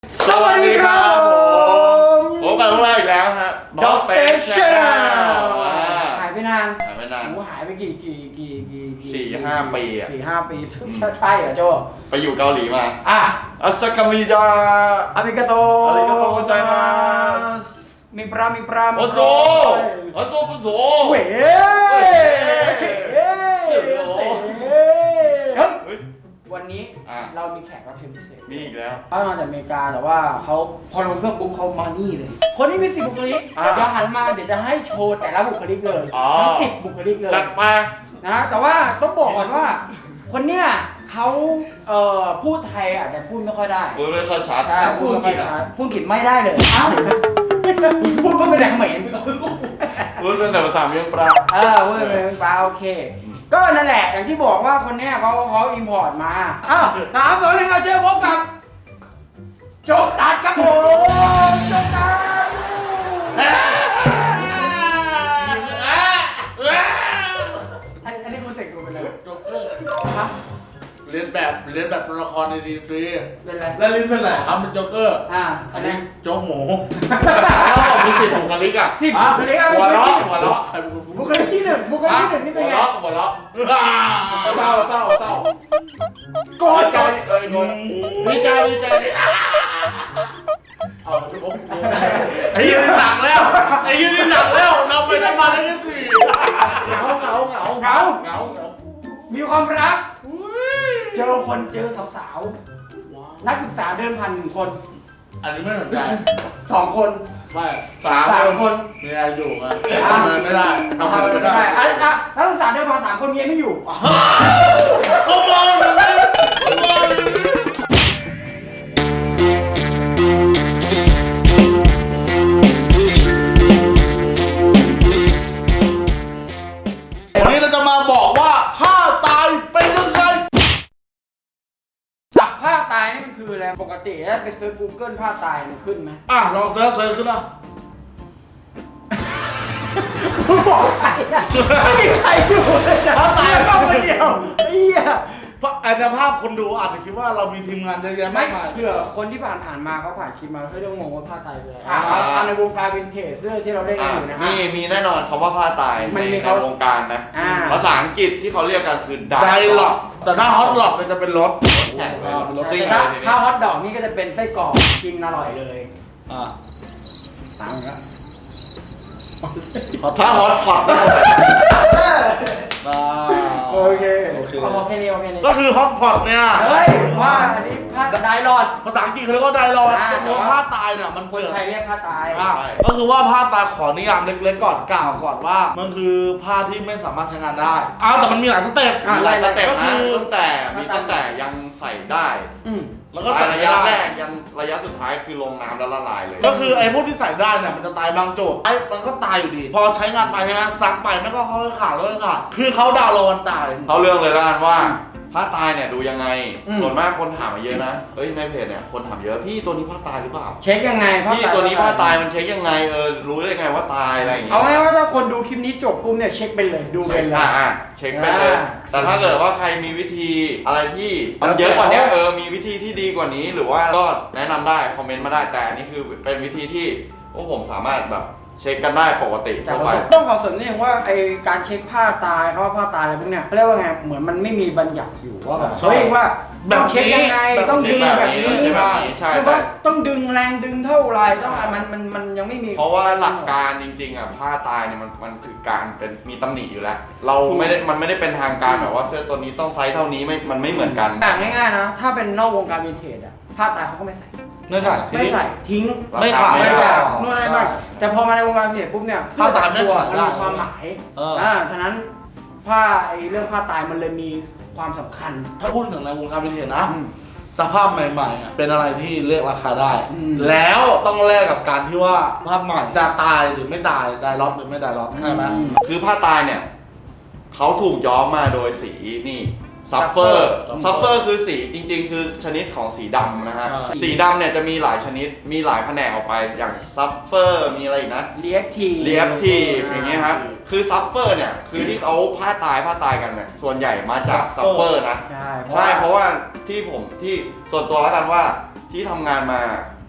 สวัสดีครับผมพบกันพวกเราอีกแล้วฮะ Dog Station หายไปนานหายไปกี่ 4-5 ปีอ่ะ 4-5 ปีใช่เหรอโจไปอยู่เกาหลีมาอ่ะอัสกามิดาอาริกาโตอาริกาโตございますมีปรามโอโซปุโซเว้ยเฉวันนี้เรามีแขกรับเชิญพิเศษมีอีกแล้วเขามาจากอเมริกาแต่ว่าเขาพอลงเครื่องปุ๊บเขามานี่เลย คนนี้มี10 บุคลิกเดี๋ยวหันมาเดี๋ยวจะให้โชว์แต่ละบุคลิกเลยทั้ง10 บุคลิกเลยจัดมานะแต่ว่าต้องบอกก่อนว่า คนเนี้ยเขาพูดไทยอาจจะพูดไม่ค่อยได้พูดไม่ค่อยชัดใช่พูดไม่ค่อยชัดพูดอังกฤษไม่ได้เลยอ้าวพูดไม่ได้เหม็นพูดเป็นแต่ภาษาเมียงปลาพูดเป็นปลาโอเค ก็นั่นแหละอย่างที่บอกว่าคนเนี้ยเขาอิมพอร์ตมาอ้าว3 2 1เอาเชิญพบกับโจ๊กตัดครับผมโจ๊กตัดอันนี้คุณเสกดูไปเลยโจ๊กเกอร์เรียนแบบตัวละครในดีซีเป็นไรแล้วลิ้นเป็นไรทำเป็นโจ๊กเกอร์อันนี้โจ๊กหมูมี10 บุคลิกอ่ะ 10 บุคลิกหัวเราะใครเป็นคนบุคลิกที่1บุคลิกที่1นี่เป็นไงหัวเราะเศร้าโกรธใจดีใจเอาทุกคนไอ้ยี่นี่หนักแล้วนำไปทำมาได้แค่4 เหงามีความรักเจอสาวๆนักศึกษาเดินผ่าน1 คนอันนี้ไม่สนใจ 2 คนไม่ 3 คนมีอะไรอยู่ไงทำอะไรไม่ได้ทำอะไรไม่ได้นักศึกษาเดินผ่าน3 คนเมียไม่อยู่เขามองเลยวันนี้เราจะมาบอกว่าผ้าตายเป็นยังไงจับผ้าตายนี่มันคืออะไรปกติถ้าไปเซิร์ช Google ผ้าตายมันขึ้นไหมลองเซิร์ชขึ้นนะบอกใครอะไม่มีใครอยู่เลยนะผ้าตายก็คนเดียวเหี้ยเพราะในภาพคนดูอาจจะคิดว่าเรามีทีมงานเยอะแยะไม่มากมายเผื่อคนที่ผ่านมาเขาผ่านคลิปมาเขาจะงงว่าผ้าตายเป็นอะไรในวงการวินเทจเสื้อที่เราได้กันอยู่นะฮะมีแน่นอนคำว่าผ้าตายมันมีในวงการนะ ภาษาอังกฤษที่เขาเรียกกันคือไดหลอกแต่ถ้าฮอตหลอกมันจะเป็นรถแข่งเลยรถแต่ซิ่งถ้าเลยทีนี้ถ้าฮอตดอกนี่ก็จะเป็นไส้กรอกกินอร่อยเลย ตามกันถ้าฮอตพอตโอเคเอาแค่นี้ก็คือฮอตพอตเนี่ยเฮ้ยว่าอันนี้ผ้าไดรอดภาษาอังกฤษเขาเรียกว่าไดหลอกแต่ตัวว่าผ้าตายเนี่ยมันคนไทยเรียกผ้าตายก็คือว่าผ้าตายขอนิยามเล็กๆก่อนกล่าวก่อนว่ามันคือผ้าที่ไม่สามารถใช้งานได้แต่มันมีหลายสเต็ปหลายสเต็ปก็นะคือตั้งแต่ยังใส่ได้แล้วก็ใส่ระไม่ยะได้แรกยันระยะสุดท้ายคือลงน้ำแล้วละลายเลยก็คือไอ้พวกที่ใส่ได้เนี่ยมันจะตายบางโจทย์มันก็ตายอยู่ดี พอใช้งานไปใช่ไหมซักไปไม่ก็เขาขาดแล้วก็ขาดคือเขาดาวน์โหลดวันตายเขาเรื่องเลยแล้วกันว่าผ้าตายเนี่ยดูยังไง ส่วนมากคนถามมาเยอะนะเฮ้ยในเพจเนี่ยคนถามเยอะพี่ตัวนี้ผ้าตายหรือเปล่าเช็คยังไงพี่ตัวนี้ผ้าตายมันเช็คยังไงรู้ได้ยังไงว่าตายอะไรอย่างเงี้ยเอาไงว่าถ้าคนดูคลิปนี้จบปุ๊บเนี่ยเช็คเป็นเลยดูเป็นเลยเช็คไปเลยแต่ถ้าเกิดว่าใครมีวิธีอะไรที่มันเยอะกว่านี้มีวิธีที่ดีกว่านี้หรือว่าก็แนะนำได้คอมเมนต์มาได้แต่อันนี้คือเป็นวิธีที่พวกผมสามารถแบบเช็คกันได้ปกติแต่ทั่วไปต้องขอเสริมนิดนึงว่าไอการเช็คผ้าตายเขาว่าผ้าตายอะไรพวกเนี้ยเขาเรียกว่าไงเหมือนมันไม่มีบัญญัติอยู่ว่าแบบเฮ้ยว่าต้องเช็คยังไงต้องดึงแบบนี้ใช่หรือว่าต้องดึงแรงดึงเท่าไรต้องอะไรมันยังไม่มีเพราะว่าหลักการจริงๆอ่ะผ้าตายเนี่ยมันคือการเป็นมีตำหนิอยู่แล้วเราไม่ได้มันไม่ได้เป็นทางการแบบว่าเสื้อตัวนี้ต้องไซส์เท่านี้มันไม่เหมือนกันแต่ง่ายๆนะถ้าเป็นนอกวงการวินเทจอะผ้าตายเขาก็ไม่ใส่ไม่ใส่ไม่ใส่ทิ้งไม่ขายไม่ได้ได้นู่นนี่นั่นแต่พอมาในวงการวินเทจปุ๊บเนี่ยผ้าตายไม่ตัวขายมันได้มีความหมายฉะนั้นผ้าไอเรื่องผ้าตายมันเลยมีความสำคัญถ้าพูดถึงในวงการวินเทจนะสภาพใหม่ๆเป็นอะไรที่เรียกราคาได้ แล้วต้องแลกกับการที่ว่าภาพใหม่จะตายหรือไม่ตายได้ล็อตหรือไม่ได้ล็อตใช่ไหมคือผ้าตายเนี่ยเขาถูกย้อมมาโดยสีนี่ซัฟเฟอร์คือสีจริงๆ คือชนิดของสีดำนะฮะสีดำเนี่ยจะมีหลายชนิดมีหลายแผนกออกไปอย่างซัฟเฟอร์มีอะไรอีกนะเลียบทีอย่างเงี้ยครับคือซัฟเฟอร์เนี่ยคือที่เขาผ้าตายกันเนี่ยส่วนใหญ่มาจากซัฟเฟอร์นะใช่เพราะว่าที่ส่วนตัวแล้วกันว่าที่ทำงานมา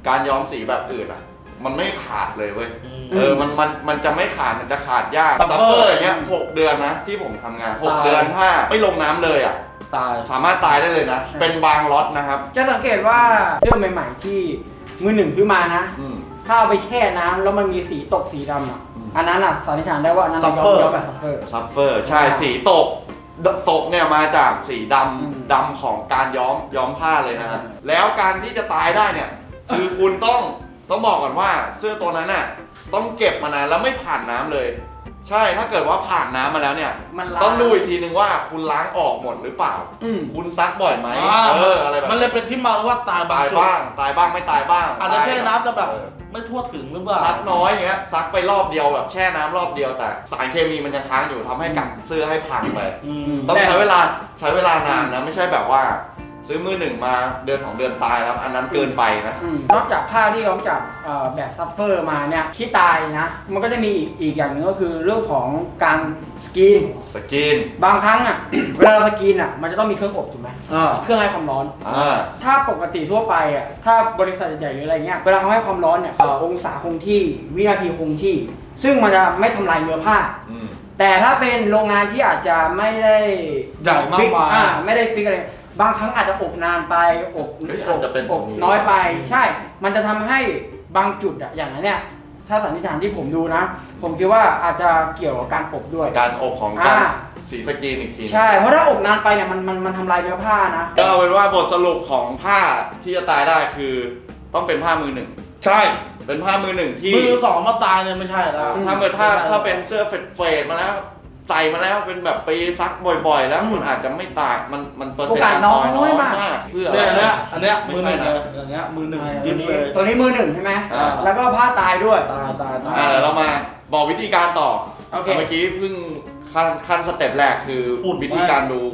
การย้อมสีแบบอื่นอ่ะมันไม่ขาดเลยเว้ยมันจะไม่ขาดมันจะขาดยากซัฟเฟอร์อย่างเงี้ย6 เดือนนะที่ผมทำงาน6 เดือนถ้าไม่ลงน้ำเลยอ่ะตายสามารถตายได้เลยนะเป็นบางล็อตนะครับจะสังเกตว่าเสื้อใหม่ๆที่มือหนึ่งซื้อมานะ ถ้าเอาไปแช่น้ำแล้วมันมีสีตกสีดำอ่ะอันนั้นอ่ะสันนิษฐานได้ว่าอันนั้นย้อมแบบซัฟเฟอร์ใช่สีตกเนี่ยมาจากสีดำของการย้อมผ้าเลยนะฮะแล้วการที่จะตายได้เนี่ยคือคุณต้องบอกก่อนว่าเสื้อตัวนั้นน่ะต้องเก็บมานานแล้วไม่ผ่านน้ำเลย ใช่ถ้าเกิดว่าผ่านน้ำมาแล้วเนี่ยต้องดูอีกทีนึงว่าคุณล้างออกหมดหรือเปล่าคุณซักบ่อยไหมอะไรแบบมันเลยเป็นที่มาว่าตายบ้างไม่ตายบ้างอาจจะแช่น้ำแต่แบบไม่ทั่วถึงหรือเปล่าซักน้อยอย่างเงี้ยซักไปรอบเดียวแบบแช่น้ำรอบเดียวแต่สารเคมีมันยังค้างอยู่ทำให้กัดเสื้อให้พังไปต้องใช้เวลานานนะไม่ใช่แบบว่าซื้อมือหนึ่งมาเดือน2 เดือนตายแล้วอันนั้นเกินไปนะนอกจากผ้าที่ย้อมจากแบบซัฟเฟอร์มาเนี่ยที่ตายนะมันก็จะมีอีกอย่างหนึ่งก็คือเรื่องของการสกรีนบางครั้งอ่ะ เวลาสกรีนอ่ะมันจะต้องมีเครื่องอบถูกไหมเครื่องให้ความร้อนถ้าปกติทั่วไปอ่ะถ้าบริษัทใหญ่ๆหรืออะไรเงี้ยเวลาเขาให้ความร้อนเนี่ยองศาคงที่วินาทีคงที่ซึ่งมันจะไม่ทำลายเนื้อผ้าแต่ถ้าเป็นโรงงานที่อาจจะไม่ได้ใหญ่มากมายไม่ได้ฟิกอะไรบางครั้งอาจจะอบนานไปอบน้อยไปใช่มันจะทำให้บางจุดอะอย่างนั้นเนี่ยถ้าสันนิษฐานที่ผมดูนะผมคิดว่าอาจจะเกี่ยวกับการอบด้วยการอบของการสีสกรีนอีกทีใช่เพราะถ้าอบนานไปเนี่ยมันทำลายเนื้อผ้านะก็เอาเป็นว่าบทสรุปของผ้าที่จะตายได้คือต้องเป็นผ้ามือหนึ่งใช่เป็นผ้ามือหนึ่งที่มือสองมาตายเนี่ยไม่ใช่แล้วถ้าเป็นเสื้อเฟดมาแล้วใส่มาแล้วเป็นแบบปีซักบ่อยๆแล้วมันอาจจะไม่ตายมันเปอร์เซ็นต์การตายน้อยมากเพื่ออันเนี้ยมือหนึ่งเลยอย่างเงี้ยมือหนึ่งยิ้มเลยตัวนี้มือหนึ่งใช่ไหมแล้วก็ผ้าตายด้วยตายเรามาบอกวิธีการต่อเมื่อกี้เพิ่งขั้นสเต็ปแรกคือวิธีการดู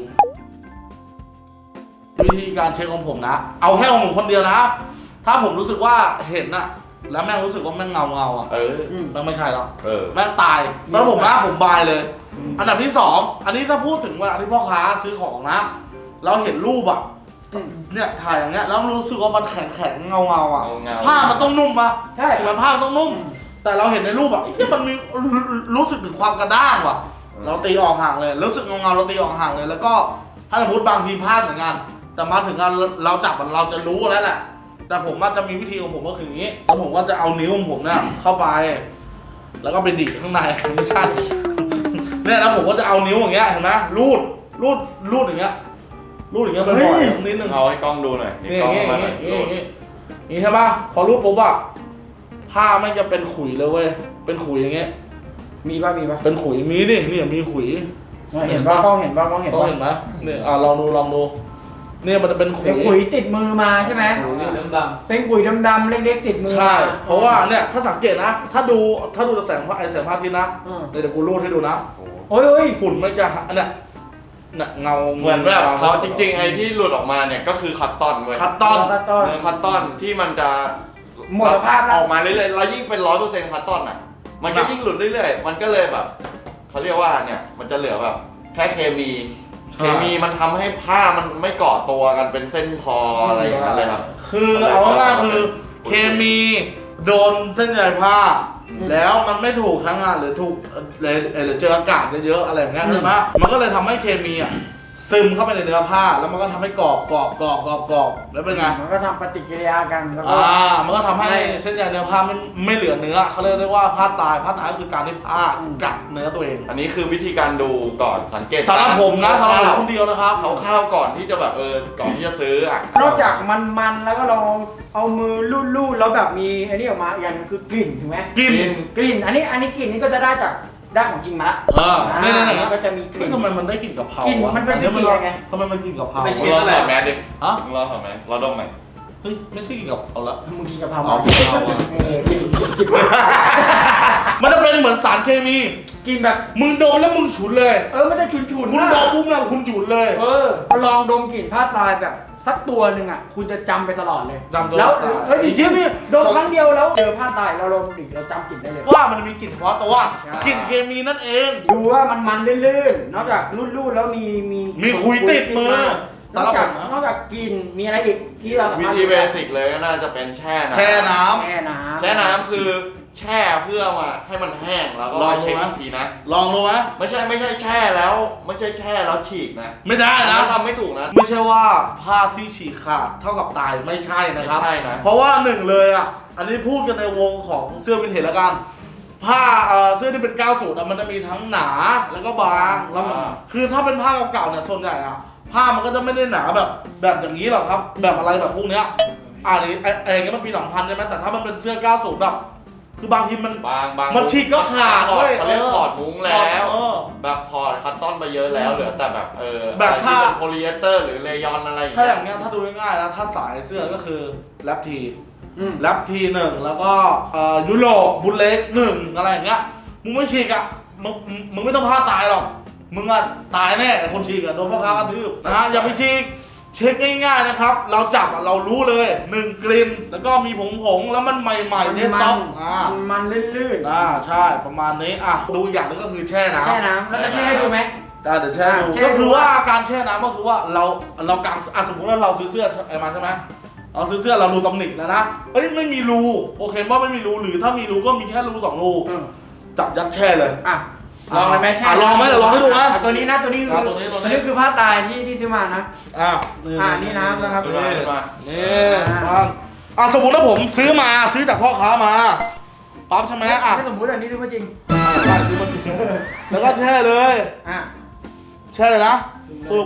วิธีการเช็คของผมนะเอาแค่ของผมคนเดียวนะถ้าผมรู้สึกว่าเห็นอะแล้วแม่งรู้สึกว่าแม่งเงาอ่ะแม่งไม่ใช่แล้วแม่งตายแล้วผมนะผมบายเลยอันดับที่2อันนี้ถ้าพูดถึงเวลาที่พ่อค้าซื้อของนะเราเห็นรูปอ่ะเนี่ยถ่ายอย่างเงี้ยแล้วรู้สึกว่ามันแข็งเงาอ่ะผ้ามันต้องนุ่มปะใช่ถูกไหมผ้าต้องนุ่มแต่เราเห็นในรูปอ่ะที่มันมีรู้สึกถึงความกระด้างว่ะเราตีออกห่างเลยรู้สึกเงาเราตีออกห่างเลยแล้วก็ถ้าสมมติบางทีพลาดเหมือนกันแต่มาถึงกันเราจับมันเราจะรู้แล้วแหละแต่ผมว่าจะมีวิธีของผมก็คืออย่างนี้แล้วผมก็จะเอานิ้วของผมเนี่ยเข้าไปแล้วก็ไปดิข้างในไม่ใช่เนี่ยแล้วผมก็จะเอานิ้วอย่างเงี้ยเห็นไหมรูดอย่างเงี้ยบ่อยๆนิดนึงเอาให้กล้องดูหน่อยนี่นี่ใช่ป่ะพอรูดปุ๊บอะผ้าไม่จะเป็นขุยเลยเว้ยเป็นขุยอย่างเงี้ยมีป่ะเป็นขุยมีดินี่มีขุยเห็นป่ะกล้องเห็นไหมเนี่ยลองดูเนี่ยมันจะเป็นขุยติดมือมาใช่ไหมดำเป็นขุยดำๆเล็กๆติดมือใช่เพราะว่าเนี่ยถ้าสังเกตนะถ้าดูแสงพระอาทิตย์นะเดี๋ยวกูรูดให้ดูนะโอ้ยฝุ่นมันจะเนี่ยเงาเหมือนแบบเขาจริงๆไอ้ที่หลุดออกมาเนี่ยก็คือคัตตอนเว้ยคัตตอนที่มันจะหมดสภาพออกมาเรื่อยๆแล้วยิ่งเป็น100%คัตตอนอ่ะมันก็ยิ่งหลุดเรื่อยๆมันก็เลยแบบเขาเรียกว่าเนี่ยมันจะเหลือแบบแค่เคมีมันทำให้ผ้ามันไม่เกาะตัวกันเป็นเส้นทออะไรอย่างเงี้ยเลยครับคือเอาง่ายๆคือเคมีโดนเส้นใยผ้าแล้วมันไม่ถูกทั้งงานหรือถูกหรือเจออากาศเยอะๆอะไรอย่างเงี้ยใช่ไหมมันก็เลยทำให้เคมีอ่ะซึมเข้าไปในเนื้อผ้าแล้วมันก็ทำให้กรอบแล้วเป็นไงมันก็ทำปฏิกิริยากันแล้วก็มันก็ทำให้เส้นใยเนื้อผ้าไม่เหลือเนื้อเขาเรียกได้ว่าผ้าตายคือการที่ผ้ากัดเนื้อตัวเองอันนี้คือวิธีการดูก่อนสังเกตสำหรับผมนะสำหรับคนเดียวนะครับข้าวก่อนที่จะแบบก่อนที่จะซื้ออ่ะนอกจากมันแล้วก็ลองเอามือลูดแล้วแบบมีอันนี้ออกมาอย่างนึงคือกลิ่นถูกไหมกลิ่นอันนี้กลิ่นนี้ก็จะได้จากด้านของจริงมาเนี่ยก็จะมีกลิ่นทำไมมันได้กลิ่นกะเพรากลิ่นมันเป็นกลิ่นยังไงทำไมมันกลิ่นกะเพราไม่ใช่อะไรแมสดิเราทำไหมเราดมไหมเฮ้ยไม่ใช่กลิ่นกะเพราละมึงกินกะเพรามันจะเป็นเหมือนสารเคมีกินแบบมึงดมแล้วมึงฉุนเลยมันจะฉุนคุณดมปุ๊บแล้วคุณฉุนเลยลองดมกลิ่นผ้าตายแบบสักตัวหนึ่งอ่ะคุณจะจำไปตลอดเลยแล้วจริงๆดมครั้งเดียวแล้วเจอผ้าตายเราลองดิเราจำกลิ่นได้เลยว่ามันมีกลิ่นเฉพาะตัวกลิ่นเคมีนั่นเองดูว่ามันลื่นๆนอกจากรูดๆแล้วมีขุยติดมือสำหรับผมนะนอกจากกินมีอะไรอีกที่เราสาวิมารถธีเบสิกเลยก็น่าจะเป็นแช่น้ำแช่น้แช่น้ำแช่น้ำคือแช่เพื่อมาให้มันแห้งแล้วก็ลองมาดูเช็คไหมอีกทีนะลองดูไหมไม่ใช่แช่แล้วไม่ใช่แช่แล้วฉีกนะไม่ได้อันนะนั้นทำไม่ถูกนะไม่ใช่ว่าผ้าที่ฉีกขาดเท่ากับตายไม่ใช่นะครับไม่ใช่นะเพราะว่าหนึ่งเลยอ่ะ อันนี้พูดกันในวงของเสื้อวินเทจแล้วกัน ผ้าเสื้อที่เป็น90อ่ะมันจะมีทั้งหนาแล้วก็บางแล้วมันคือถ้าเป็นผ้าเก่าๆเนี่ยส่วนใหญ่อ่ะผ้ามันก็จะไม่ได้หนาแบบอย่างนี้หรอกครับ แบบอะไรแบบพวกเนี้ยอย่างเงี้ยมันปี2000ใช่ไหมแต่ถ้ามันเป็นเสื้อ90แบบคือบางทีมันบางมันฉีกก็ขาดถอเว้ยเขาเรียกถอดมุ้งแล้วเออแบบถอดคัตตอนไปเยอะแล้วเหลือแต่แบบแบบอะไรถ้าที่เป็นโพลีเอสเตอร์หรือเลยอนอะไรอย่างถ้าอเงี้ยย่างเงี้ยถ้าดูง่ายๆนะถ้าสายเสื้อก็คือแรปทีอืมแรปทีหนึ่งแล้วก็ยุโรปบุลเล็กหนึ่งอะไรอย่างเงี้ยมึงไม่ฉีกอ่ะมึงไม่ต้องพลาดตายหรอกมึงอ่ะตายแน่ไอ้คนฉีกอ่ะโดนพ่อค้ากระทืบนะอย่าไปฉีกเช็คง่ายๆนะครับเราจับอ่ะเรารู้เลย1กลิ่นแล้วก็มีผงแล้วมันใหม่ๆเดสต็อกมันลื่นใช่ประมาณนี้ดูอีกอย่างหนึงก็คือแช่ๆน้ำแช่น้ำแล้วจะแช่ให้ดูไหมเดี๋ยวแช่ดูแช่ก็คือดูว่าการแช่น้ำก็คือว่าเรากางสมมติว่าเราซื้อเสื้อมาใช่ไหมเราซื้อเสื้อเราดูตำหนิแล้วนะเอ้ยไม่มีรูโอเคว่าไม่มีรูหรือถ้ามีรูก็มีแค่รู2 รู จับยัดแช่เลยลองเลยไหมแช่ลองไหมเดี๋ยวลองให้ดูนะตัวนี้นะตัวนี้คือตัวนี้ตัวนี้คือผ้าตายที่ซื้อมานะ นี่น้ำนะครับนี่มานี่สมมติว่าผมซื้อจากพ่อค้ามาปั๊บใช่ไหมไม่สมมติอันนี้ซื้อมาจริงใช่ซื้อมาจริงแล้วก็แช่เลยแช่เลยนะปุ๊บ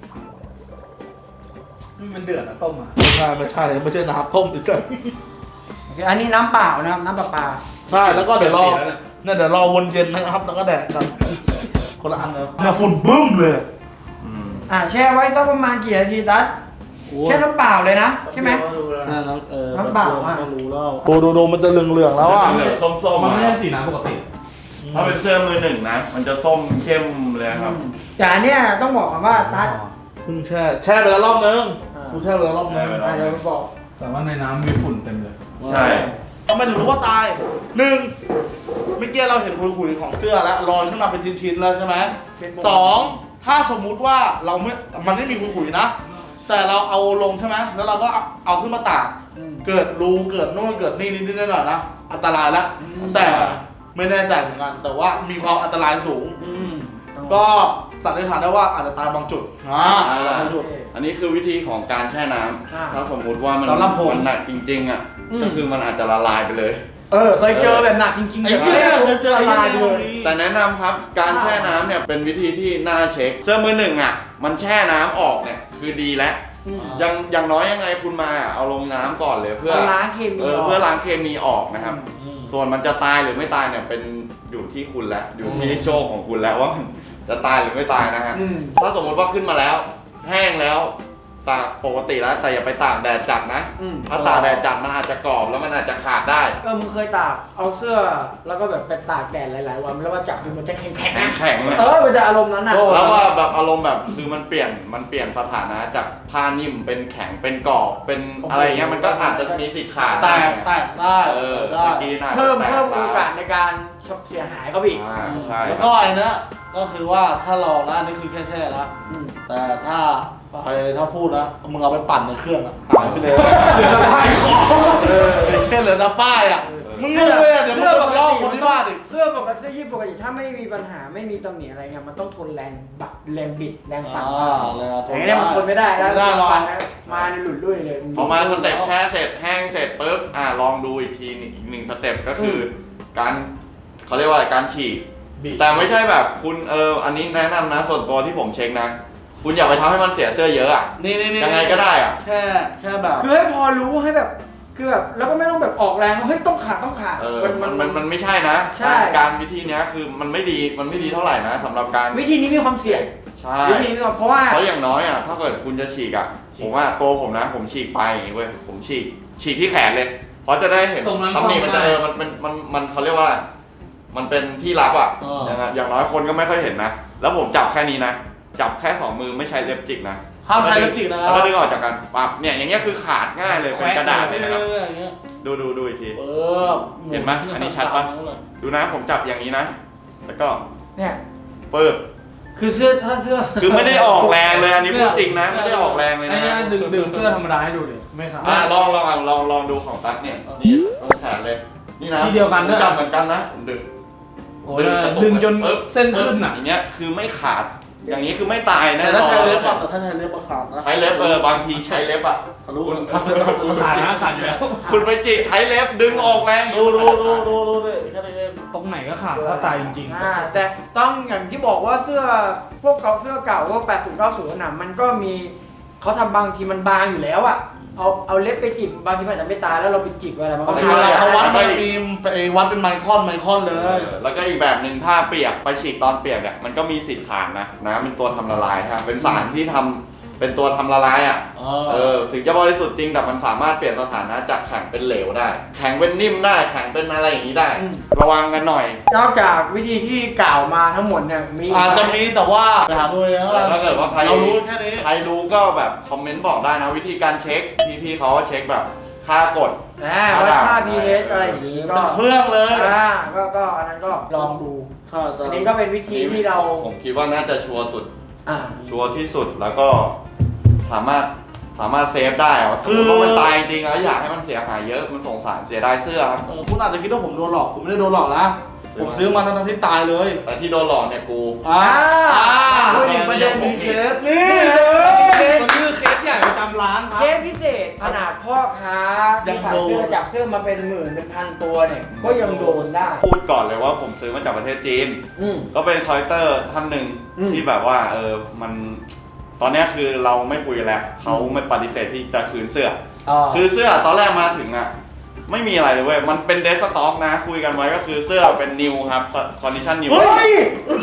มันเดือดอะต้มอะไม่ใช่ไม่ใช่น้ำต้มดิเซนโอเคอันนี้น้ำเปล่านะครับน้ำปลาใช่แล้วก็เดี๋ยวรอเดี๋ยวรอวนเย็นนะครับแล้วก็แดกกันคนละอันเลยเนี่ยฝุ่นบึ้มเลยแช่ไว้สักประมาณกี่นาทีตัดแค่น้ำเปล่าเลยนะใช่ไหม น้ำเปล่าอะก็รู้แล้วดูมันจะเหลืองๆแล้วอ่ะเหลืองส้มๆมันไม่อะใช่สีน้ำปกติถ้าเป็นเสื้อมือหนึ่งนะ มันจะส้มเข้มเลยครับแต่อันเนี้ยต้องบอกก่อนว่าตัดเพิ่งแช่ไปแล้วรอบนึงกูแช่ไปแล้วรอบนึงเดี๋ยวบอกแต่ว่าในน้ำมีฝุ่นเต็มเลยใช่ทำไมถึงรู้ว่าตาย1เมื่อกี้เราเห็นขุยๆของเสื้อแล้วลอยขึ้นมาเป็นชิ้นๆแล้วใช่ไหม2ถ้าสมมุติว่ามันไม่มีขุยๆนะ แต่เราเอาลงใช่ไหมแล้วเราก็เอาขึ้นมาตากเกิดรูเกิดนู่นเกิดนี่นิดๆหน่อยๆนะอันตรายแล้วแต่ไม่แน่ใจเหมือนกัน แต่ว่ามีความอันตรายสูง ก็สันนิษฐานได้ว่าอาจจะตายบางจุดบางจุดอันนี้คือวิธีของการแช่น้ำถ้าสมมุติว่ามันสำหรับผมหนักจริงๆอ่ะก็คือมันอาจจะละลายไปเลยเคยเจอแบบหนักจริงๆไอ้เหี้ยเคยเจอละอะไรลายเลเลยยแต่แนะนำครับการแช่น้ำเนี่ยเป็นวิธีที่น่าเช็คเสื้อมือหนึ่งอ่ะมันแช่น้ำออกเนี่ยคือดีแล้วอย่างน้อยยังไงคุณมาเอาลงน้ำก่อนเลยเพื่อล้างเคมีเพื่อล้างเคมีออกนะครับ ส่วนมันจะตายหรือไม่ตายเนี่ยเป็นอยู่ที่คุณแล้วอยู่ที่โชคของคุณแล้วว่ามันจะตายหรือไม่ตายนะฮะถ้าสมมติว่าขึ้นมาแล้ว แห้งแล้วตากปกติแล้วแต่อย่าไปตากแดดจัดนะถ้าตากแดดจัดมันอาจจะกรอบแล้วมันอาจจะขาดได้มึงเคยตากเอาเสื้อแล้วก็แบบไปตากแดดหลายๆวันแล้วว่าจับดูมันจะแข็งแข็งเลยมันจะอารมณ์นั้นน่ะแล้วว่าแบบอารมณ์แบบคือมันเปลี่ยนสถานะจากผ้านิ่มเป็นแข็งเป็นกรอบเป็นอะไรเงี้ยมันก็อาจจะมีสิทธิ์ขาดแตได้กได้เมื่อกี้น่าจะเพิ่มแตกโอกาสในการเสียหายเขาอีกใช่แล้วก็ไอ้เนี้ยก็คือว่าถ้าลองนะอันนี่คือแค่แช่แล้วแต่ถ้าพูดนะมึงเอาไปปั่นในเครื่องอะหายไปเลยเหลือแต่ป้ายแค่เหลือแต่ป้ายอะมึงงงเลยอะเดี๋ยวมึงจะลอกคนที่บ้านอีกเสื้อปกติปกติถ้าไม่มีปัญหาไม่มีตำหนิอะไรเงี้ยมันต้องทนแรงบิดแรงปั่นอย่างนี้มันทนไม่ได้แล้วไม่ได้หรอกมาในหลุดลุ่ยเลยพอมาสเต็ปแช่เสร็จแห้งเสร็จปุ๊บลองดูอีกทีอีกหนึ่งสเต็ปก็คือการเขาเรียกว่าอะไรการฉีกแต่ไม่ใช่แบบคุณอันนี้แนะนำนะส่วนตัวที่ผมเช็คนะคุณอย่าไปทำให้มันเสียเสื้อเยอะอ่ะนี่ยังไงก็ได้อ่ะแค่แบบคือให้พอรู้ให้แบบคือแบบแล้วก็ไม่ต้องแบบออกแรงว่าเฮ้ยต้องขาดมันไม่ใช่นะการวิธีเนี้ยคือมันไม่ดีเท่าไหร่นะสำหรับการวิธีนี้มีความเสี่ยงใช่วิธีนี้เพราะอย่างน้อยอ่ะถ้าเกิดคุณจะฉีกอ่ะผมว่าตัวผมนะผมฉีกไปอย่างงี้เว้ยผมฉีกที่แขนเลยเพราะจะได้เห็นตรงนั้นตำหนิมันจะมันเขาเรียกว่ามันเป็นที่ลับอ่ะอย่างน้อยคนก็ไม่ค่อยเห็นนะแล้วผมจับแค่นี้นะจับแค่2 มือไม่ใช้เล็บจิกนะห้ามใช้เล็บจิกนะแล้วก็ดึงออกจากกันปั๊บเนี่ยอย่างเงี้ยคือขาดง่ายเลยเป็นกระดาษเลยนะครับดูอีกทีเห็นไหมอันนี้ชัดปะดูนะผมจับอย่างนี้นะแล้วก็เนี่ยปึ๊บคือเสื้อถ้าเสื้อคือไม่ได้ออกแรงเลยอันนี้พูดจริงนะไม่ได้ออกแรงเลยไอ้นะเนี่ยดึงเสื้อธรรมดาให้ดูดิไม่ขาดลองดูของตั๊กเนี่ยนี่ต้องแขนเลยนี่นะที่เดียวกันด้วยจับเหมือนกันนะดึงโอ้ยดึงจนเส้นขึ้นอ่ะอย่างเงี้ยคือไม่ขาดอย่างนี้คือไม่ตายนะแต่ถ้าใช้เล็บอะแต่ถ้าใช้เล็บอะขาดนะใช้เล็บบางทีใช้เล็บอ่ะทะลุคุณขาดนะขาดอยู่แล้วคุณไปจิกใช้เล็บดึงออกแรงดูเลยแค่นี้เองตรงไหนก็ขาดถ้าตายจริงแต่ต้องอย่างที่บอกว่าเสื้อพวกเสื้อเก่าพวก80 90น่ะมันก็มีเขาทำบางทีมันบางอยู่แล้วอ่ะเอาเล็บไปจิกบางทีมันอาจจะไม่ตายแล้วเราไปจิกอะไรมันบาก็งทีตายเวลาเขาวัดมันมีวัดเป็นไมครอนเลยแล้วก็อีกแบบหนึ่งถ้าเปียกไปฉีกตอนเปียกเนี่ยมันก็มีสิทธิ์ขาดนะน้ำเป็นตัวทำละลายครับเป็นสารที่ทำเป็นตัวทำละลายอ่ะถึงจะบริสุทธิ์จริงแต่มันสามารถเปลี่ยนสถานะจากแข็งเป็นเหลวได้ แข็งเป็นนิ่มได้แข็งเป็นอะไรอย่างนี้ได้ ระวังกันหน่อยนอกจากวิธีที่กล่าวมาทั้งหมดเนี่ยมีอาจจะมีแต่ว่าไปหาดูเองถ้าเกิดว่าใครเรารู้แค่นี้ใครรู้ก็แบบคอมเมนต์บอกได้นะวิธีการเช็คพี่เขาก็เช็คแบบค่ากดวัดค่า pH อะไรอย่างนี้ก็เป็นเครื่องเลยก็อันนั้นก็ลองดูใช่แต่อันนี้ก็เป็นวิธีที่เราผมคิดว่าน่าจะชัวร์สุดอ่าชัวร์ที่สุดแล้วก็สามารถเซฟได้อะสมมติว่ามันตายจริงแล้วอยากให้มันเสียหายเยอะมันสงสารเสียดายเสื้อครับคุณอาจจะคิดว่าผมโดนหลอกผมไม่ได้โดนหลอกนะผมซื้อมาทั้งที่ตายเลยแต่ที่โดนหลอกเนี่ยกูพูดถึงประเด็นมีเคสนี่มันคือเคสใหญ่ประจำร้านครัเคบสพิเศษขนาดพ่อค้าที่ขายเสื้อจับเสื้อมาเป็นหมื่นเป็นพันตัวเนี่ยก็ยังโดนได้พูดก่อนเลยว่าผมซื้อมาจากประเทศจีน ก็เป็นคอลเลคเตอร์ท่านหนึ่งที่แบบว่ามันตอนนี้คือเราไม่คุยแล้วเขาไม่ปฏิเสธที่จะคืนเสื้อคือเสื้อตอนแรกมาถึงอ่ะไม่มีอะไรเลยเว้ยมันเป็นเดสต็อกนะคุยกันไว้ก็คือเสื้อเป็นนิวครับคอนดิชั่นนิวเฮ้ย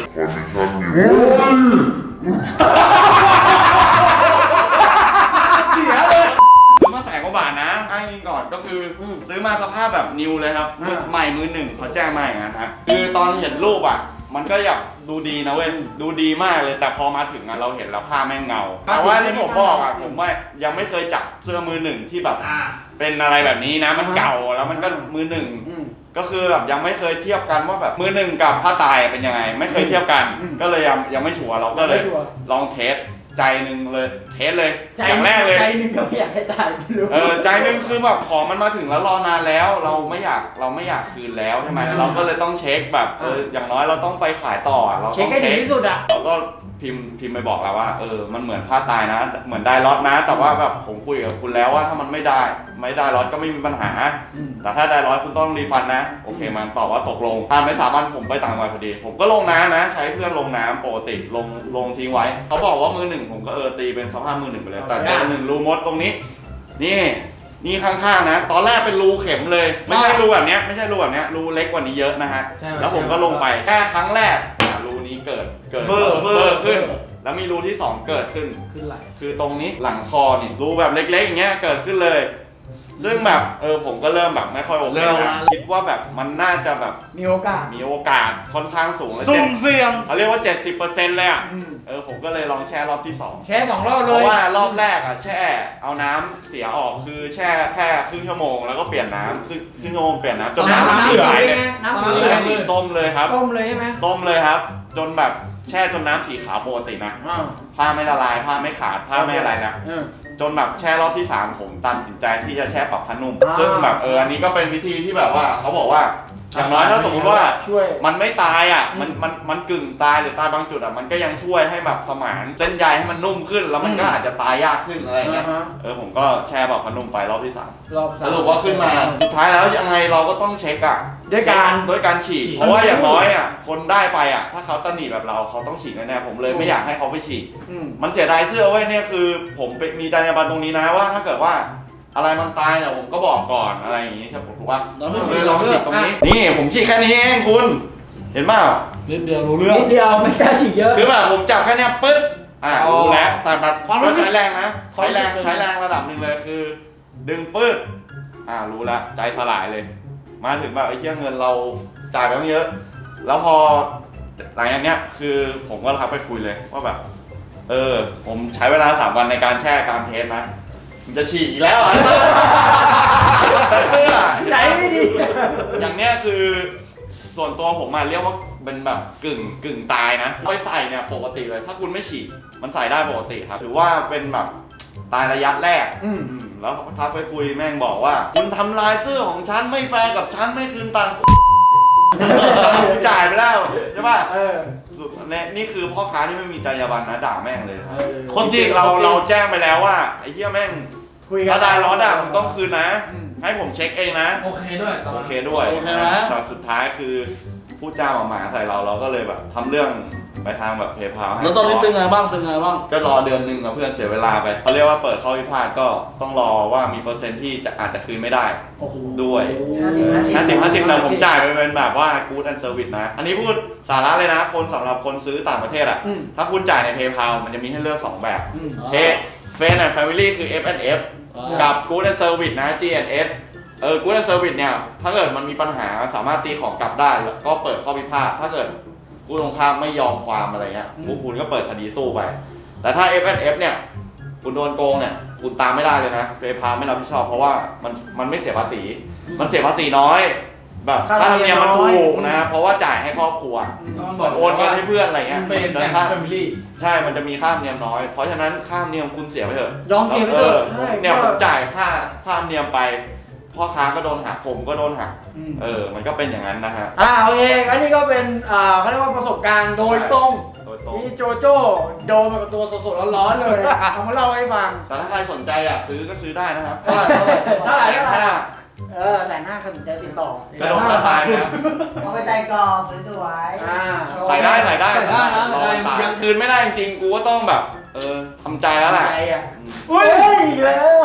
เสียเลยซื้อมา100,000 กว่าบาทนะอ้างอิงก่อนก็คือซื้อมาสภาพแบบนิวเลยครับใหม่มือหนึ่งเขาแจ้งมาอย่างนั้นฮะคือตอนเห็นรูปอ่ะมันก็อยากดูดีนะเว้ยดูดีมากเลยแต่พอมาถึงอ่ะเราเห็นแล้วผ้าแม่งเงาแต่ว่าที่ผมบอกอ่ะผมว่ายังไม่เคยจับเสื้อมือหนึ่งที่แบบเป็นอะไรแบบนี้นะมันเก่าแล้วมันก็มือหนึ่งก็คือแบบยังไม่เคยเทียบกันว่าแบบมือหนึ่งกับผ้าตายเป็นยังไงไม่เคยเทียบกันก็เลยยังไม่ชัวร์เราก็เลยลองเทสใจหนึ่งเลยเทสเลยอย่างแรกเลยใจหนึ่งก็ไม่อยากให้ตายไม่รู้ใจหนึ่งคือแบบของมันมาถึงแล้วรอนานแล้วเราไม่อยากคืนแล้วใช่ไหมเราก็เลยต้องเช็คแบบอย่างน้อยเราต้องไปขายต่อเราเช็คต้องให้ถึงที่สุดอ่ะเราก็พิมพ์ไปบอกแล้วว่ามันเหมือนผ้าตายนะเหมือนได้ล็อตนะ แต่ว่าแบบผมคุยกับคุณแล้วว่าถ้ามันไม่ได้ล็อตก็ไม่มีปัญหาแต่ถ้าได้ล็อตคุณต้องรีฟันนะโอเคมันตอบว่าตกลงผ่านไป3 วันผมไปต่างจังหวัดพอดีผมก็ลงน้ำนะใช้เพื่อนลงน้ำปกติลงทิ้งไว้เขาบอกว่ามือหนึ่งผมก็ตีเป็นสภาพมือหนึ่งไปเลยแต่เจอหนึ่งรูมดตรงนี้นี่ข้างๆนะตอนแรกเป็นรูเข็มเลยไม่ใช่รูแบบเนี้ยรูเล็กกว่านี้เยอะนะฮะแล้วผมก็ลงไปแค่ครั้งแรกรูนี้เกิดเบอร์ขึ้นแล้วมีรูที่2เกิดขึ้นไหลคือตรงนี้หลังคอนี่รูแบบเล็กๆอย่างเงี้ยเกิดขึ้นเลยซึ่งแบบผมก็เริ่มแบบไม่ค่อยโอเคนะคิดว่าแบบมันน่าจะแบบมีโอกาสค่อนข้างสูงเลยสุ่มเสี่ยงเขาเรียกว่า 70% เลยอ่ะผมก็เลยลองแช่รอบที่2 แค่2 รอบเลยเพราะว่ารอบแรกอ่ะแช่เอาน้ำเสียออกคือแช่แค่ครึ่งชั่วโมงแล้วก็เปลี่ยนน้ำครึ่งชั่วโมงเปลี่ยนน้ำจนน้ำสีใสเลยน้ำสีส้มเลยครับส้มเลยใช่ไหมส้มเลยครับจนแบบแช่จนน้ำสีขาวปกตินะผ้าไม่ละลายผ้าไม่ขาดผ้าไม่อะไรนะจนแบบแช่รอบที่3ผมตัดสินใจที่จะแช่ปรับผ้านุ่มซึ่งแบบอันนี้ก็เป็นวิธีที่แบบว่าเขาบอกว่าอย่างน้อยถ้าสมมติว่ามันไม่ตายอ่ะมันกึ่งตายหรือตายบางจุดอ่ะมันก็ยังช่วยให้แบบสมานเส้นใยให้มันนุ่มขึ้นแล้วมันก็อาจจะตายยากขึ้นอะไรเงี้ยผมก็แช่ปรับผ้านุ่มไปรอบที่3สรุปว่าขึ้นมาสุดท้ายแล้วยังไงเราก็ต้องเช็คอ่ะด้วยการฉีกเพราะว่าอย่างน้อยอ่ะคนได้ไปอ่ะถ้าเขาตะหนีแบบเราเขาต้องฉีกแน่ๆผมเลยไม่อยากให้เขาไปฉีกมันเสียดายเสื้อเว้ยเนี่ยคือผมมีจรรยาบรรณตรงนี้นะว่าถ้าเกิดว่าอะไรมันตายเนี่ยผมก็บอกก่อนอะไรอย่างงี้ใช่ผมถูกป่ะผมเลยลองฉีกตรงนี้นี่ผมฉีกแค่นี้เองคุณเห็นเปล่านิดเดียวรู้เรื่องนิดเดียวไม่กล้าฉีกเยอะคือแบบผมจับแค่นี้ปึ๊ดรู้แล้วแต่แบบก็ใช้แรงนะใช้แรงระดับหนึ่งเลยคือดึงปึ๊ดรู้แล้วใจสลายเลยมาถึงแบบไอ้เชี่ยเงินเราจ่ายไปเยอะแล้วพอหลังจากเนี้ยคือผมก็ทักไปคุยเลยว่าแบบผมใช้เวลา3 วันในการแช่การเทสนะมันจะฉีกอีกแล้วแต่เสื้อใจไม่ดีอย่างเนี้ยคือส่วนตัวผมมาเรียกว่าเป็นแบบกึ่งตายนะไปใส่เนี่ยปกติเลยถ้าคุณไม่ฉีดมันใส่ได้ปกติครับถือว่าเป็นแบบตายระยะแรกแล้วทักไปคุยแม่งบอกว่าคุณทำลายเสื้อของฉันไม่แฟร์กับฉันไม่คืนตังค์ผมจ่ายไปแล้วใช่ป่ะนี่คือพ่อค้าที่ไม่มีจรรยาบรรณนะด่าแม่งเลยครับคนจริงเราแจ้งไปแล้วว่าไอ้เหี้ยแม่งถ้าได้ล้อด่ามึงต้องคืนนะ ให้ผมเช็คเองนะโอเคด้วยโอเคด้วยแต่สุดท้ายคือพูดจาหมาใส่เราก็เลยแบบทำเรื่องไปทางแบบเพย์พาให้แล้วตอนนี้เป็นไงบ้างก็รอเดือนนึงกับเพื่อนเสียเวลาไปเขาเรียกว่าเปิดข้อพิพาทก็ต้องรอว่ามีเปอร์เซ็นต์ที่อาจจะคืนไม่ได้ด้วย50แต่ผมจ่ายไปเป็นแบบว่า good and service นะอันนี้พูดสาระเลยนะคนสำหรับคนซื้อต่างประเทศอ่ะถ้าคุณจ่ายใน PayPal มันจะมีให้เลือก2แบบFriends and Family คือ F&F กับ Good and Service นะ G&S Good and Service เนี่ยถ้าเกิดมันมีปัญหาสามารถตีของกลับได้ก็เปิดข้อพิพาทถ้าเกิดผู้ตรงข้ามไม่ยอมความอะไรเงี้ยคุณก็เปิดคดีสู้ไปแต่ถ้า F&F เนี่ยคุณโดนโกงเนี่ยคุณตามไม่ได้เลยนะ PayPal ไม่รับผิดชอบเพราะว่ามันไม่เสียภาษีมันเสียภาษีน้อยแบบค่าธรรมเนียมมันถูกนะเพราะว่าจ่ายให้ครอบครัวโอนเงินให้เพื่อนอะไรเงี้ย Friends and Family ใช่มันจะมีค่าธรรมเนียมน้อยเพราะฉะนั้นค่าธรรมเนียมคุณเสียไปเถอะยอมเสียไปเถอะเนี่ยผมจ่ายค่าธรรมเนียมไปพ่อค้าก็โดนหักผมก็โดนหักมันก็เป็นอย่างนั้นนะฮะโอเคอันนี้ก็เป็นเขาเรียกว่าประสบการณ์โดยตรงที่โจโจ้โดนมากับตัวสดๆร้อนๆเลยเอามาเล่าให้ฟังแต่ถ้าใครสนใจอ่ะซื้อก็ซื้อได้นะครับเท่าไหร่150,000สนใจติดต่อกระโดดกระต่ายนะเอาไปใส่กรอบสวยๆใส่ได้ยังคืนไม่ได้จริงๆกูก็ต้องแบบทำใจแล้วแหละอุ้ยอีกแล้ว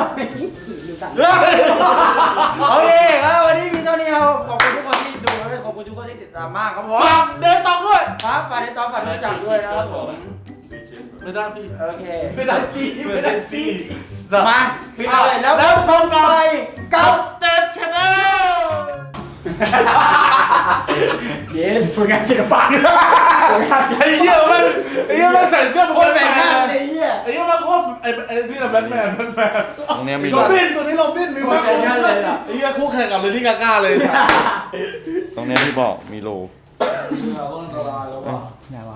โอเคครับวันนี้มีเท่านี้ครับขอบคุณทุกคนที่ดูและขอบคุณทุกคนที่ติดตามมากครับผมฝากเดตองด้วยครับฝากเดตองฝากรู้จักด้วยนะครับผมไม่ได้สิโอเคไม่ได้สิมาปิดเลยแล้วพบกันใหม่กับเต็ดชาแนลเย้ฝึกงานศิลปะไอ้เหี้ยมันใส่เสื้อคนแต่งงานไอ้เหี้ยมันโคตรไอ้นี่แบทแมนตรงนี้มีโรบินตัวนี้โรบินมีมากเลยไอ้เหี้ยคู่แข่งกับเลดี้กาก้าเลยตรงนี้ที่บอกมีโลไหนวะ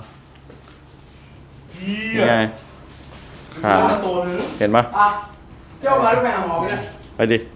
ไงขาเห็นปะเจ้ามาลูกแมวหอมเนี่ยไปดิ